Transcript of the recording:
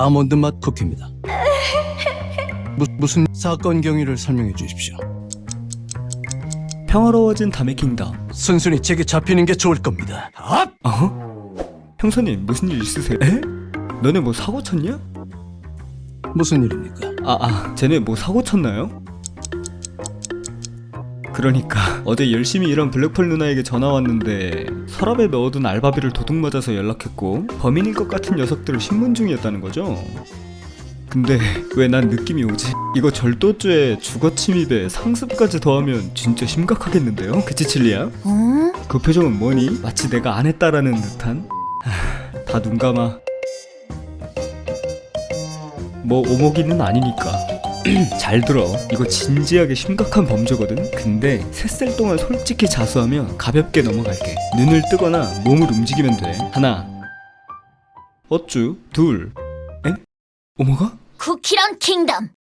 아몬드 맛 쿠키입니다. 무슨 사건 경위를 설명해 주십시오. 평화로워진 담의 킹덤. 순순히 제게 잡히는 게 좋을 겁니다. 형사님 무슨 일 있으세요? 에? 너네 뭐 사고 쳤냐? 무슨 일입니까? 쟤네 뭐 사고 쳤나요? 그러니까 어제 열심히 일한 블랙펄 누나에게 전화 왔는데 서랍에 넣어둔 알바비를 도둑 맞아서 연락했고 범인일 것 같은 녀석들을 신문 중이었다는 거죠. 근데 왜 난 느낌이 오지? 이거 절도죄, 주거침입에 상습까지 더하면 진짜 심각하겠는데요? 그치 칠리야? 그 표정은 뭐니? 마치 내가 안 했다라는 듯한? 다 눈 감아. 뭐 오목이는 아니니까. 잘 들어. 이거 진지하게 심각한 범죄거든. 근데 셋셀 동안 솔직히 자수하면 가볍게 넘어갈게. 눈을 뜨거나 몸을 움직이면 돼. 하나, 어쭈, 둘, 엥? 오모가? 쿠키런 킹덤.